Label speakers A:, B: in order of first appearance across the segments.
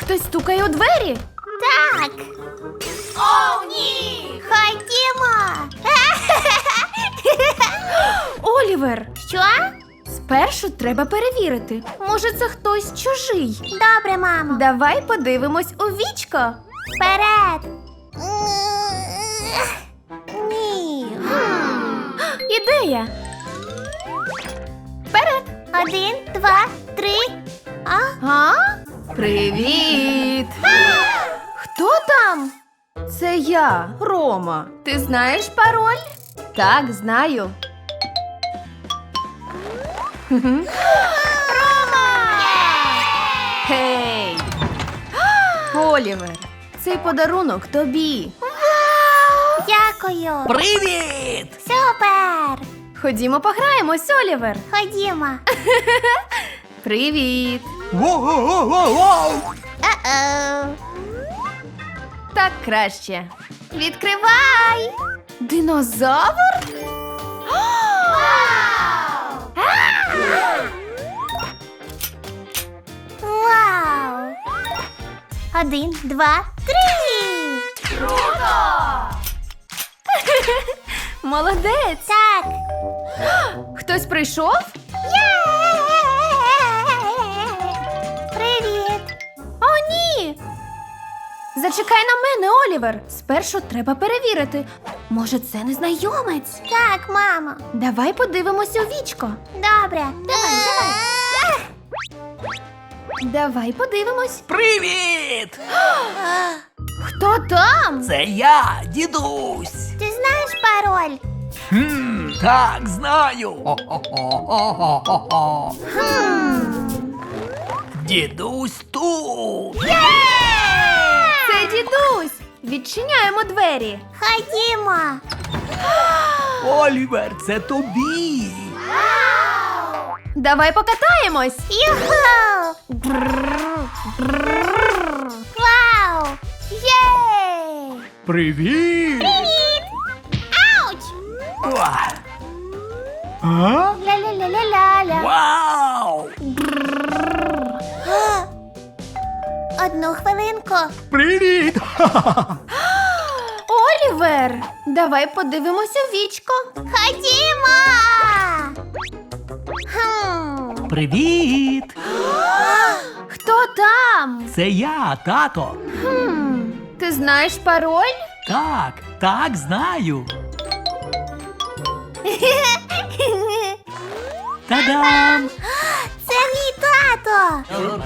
A: Хтось стукає у двері.
B: Так. О, ні! Ходімо!
A: Олівер,
B: Що?
A: спершу треба перевірити. Може, це хтось чужий.
B: Добре, мамо.
A: Давай подивимось у вічко.
B: Вперед! Ні.
A: Ідея. Вперед.
B: 1, 2, 3.
A: А? Привіт! Хто там? Це я, Рома. Ти знаєш пароль? Так, знаю. Гей! Олівер, цей подарунок тобі.
B: Дякую.
C: Привіт!
B: Супер!
A: Ходімо пограємось, Олівер.
B: Ходімо.
A: Привіт.
C: Воу-воу-воу-воу!
B: О-оу.
A: Так краще. Відкривай! Динозавр?
B: Вау! 1, 2, 3.
A: Молодець!
B: Так.
A: Хтось прийшов?
B: Привіт.
A: О, ні! Зачекай на мене, Олівер. Спершу треба перевірити. Може, це незнайомець?
B: Так, мамо.
A: Давай подивимось у вічко.
B: Добре. Давай.
A: Давай подивимось.
C: Привіт!
A: Хто там?
C: Це я, дідусь.
B: Ти знаєш пароль?
C: Так, знаю. Хо-хо-хо-хо-хо-хо. Дідусь тут.
A: Це дідусь. Відчиняємо двері.
B: Ходімо.
C: Олівер, це тобі.
A: Давай покатаємось.
B: Юху! Вау! Єй!
C: Привіт!
B: Привіт! Ауч!
C: Уа. А?
B: Ля-ля-ля-ля-ля-ля.
C: Вау!
B: Одну хвилинку.
C: Привіт!
A: Олівер, давай подивимось у вічко.
B: Ходімо!
C: Привіт!
A: Хто там?
C: Це я, тато.
A: Ти знаєш пароль?
C: Так, знаю. Та-дам!
B: Це мій тато!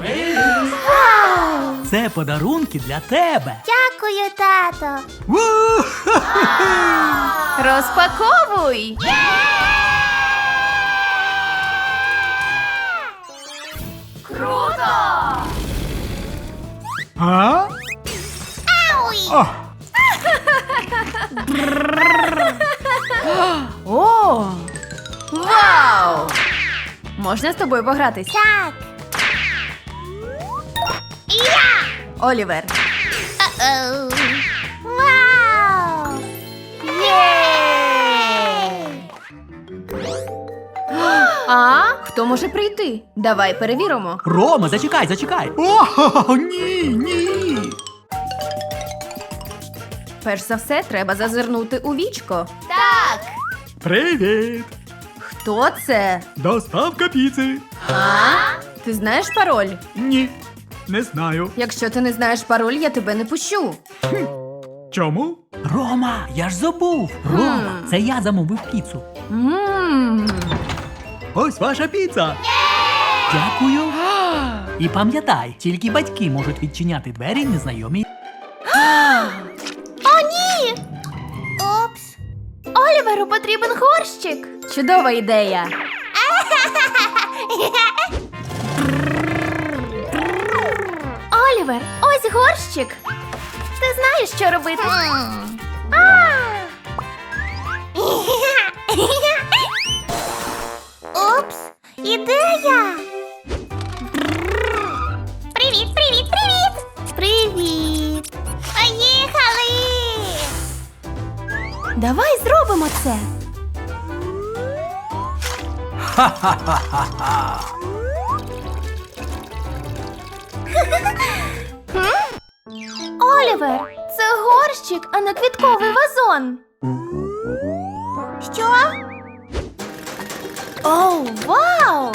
C: Це подарунки для тебе.
B: Дякую, тато!
A: Розпаковуй.
C: А?
B: Ауй!
A: О! Вау! Можна з тобою погратись?
B: Так! Я!
A: Олівер.
B: О-оу! Вау! Єй!
A: А? Хто може прийти? Давай перевіримо.
C: Рома, зачекай. О, ні.
A: Перш за все, треба зазирнути у вічко.
B: Так!
C: Привіт!
A: Хто це?
C: Доставка піци.
A: А? Ти знаєш пароль?
C: Ні, не знаю.
A: Якщо ти не знаєш пароль, я тебе не пущу.
C: Чому? Рома, я ж забув. Рома, це я замовив піцу.
A: Ммм.
C: Ось ваша піца. Дякую. І пам'ятай, тільки батьки можуть відчиняти двері незнайомій.
B: О, ні! Упс!
A: Оліверу потрібен горщик. Чудова ідея. Олівер, ось горщик. Ти знаєш, що робити?
B: Упс! Ідея! Привіт! Привіт! Поїхали!
A: Давай зробимо це. Олівер, це горщик, а не квітковий вазон.
B: Що?
A: Оу, вау!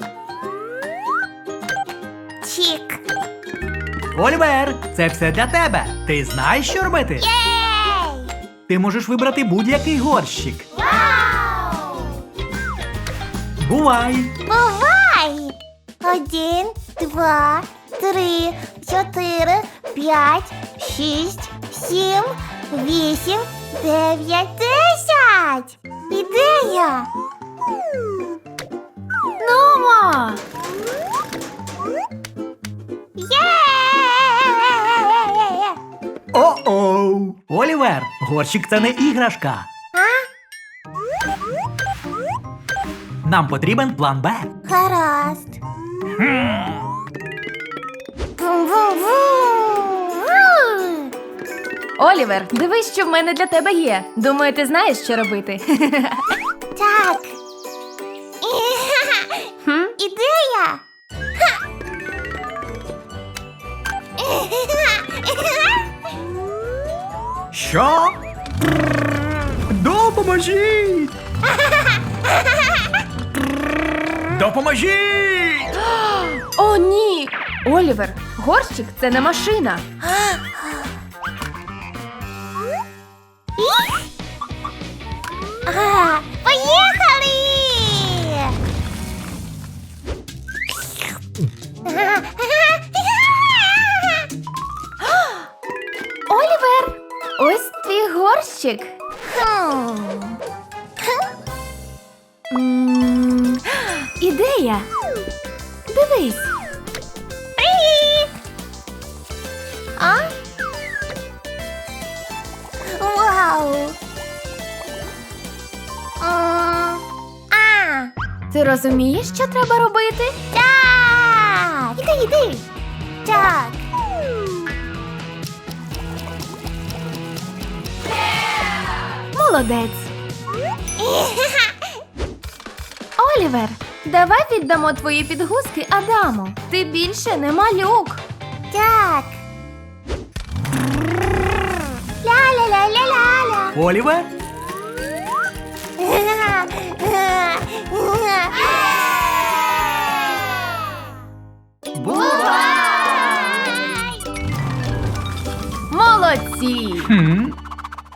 B: Чік.
C: Олівер, це все для тебе. Ти знаєш, що робити?
B: Єй!
C: Ти можеш вибрати будь-який горщик.
B: Вау!
C: Бувай!
B: Бувай! 1, 2, 3, 4, 5, 6, 7, 8, 9, 10! Ідея!
A: Нумо!
B: Є!
C: О-оу! Олівер, горщик це не іграшка. Нам потрібен план Б.
B: Гаразд. Вум-вум-вум!
A: Олівер, дивись, що в мене для тебе є. Думаю, ти знаєш, що робити.
B: Так.
A: Хм?
B: Ідея!
C: Що? Допоможіть! Допоможіть!
A: О, ні! Олівер, горщик це не машина.
B: Ага, поїхали!
A: Олівер, ось твій горщик. Ідея. Дивись.
B: Привіт! А? Вау!
A: Ти розумієш, що треба робити?
B: Так! Іди! Так!
A: Молодець. Олівер, давай віддамо твої підгузки Адаму. Ти більше не малюк.
B: Так! Ля-ля-ля-ля-ля-ля!
C: Олівер?
A: Молодці!
C: Хм.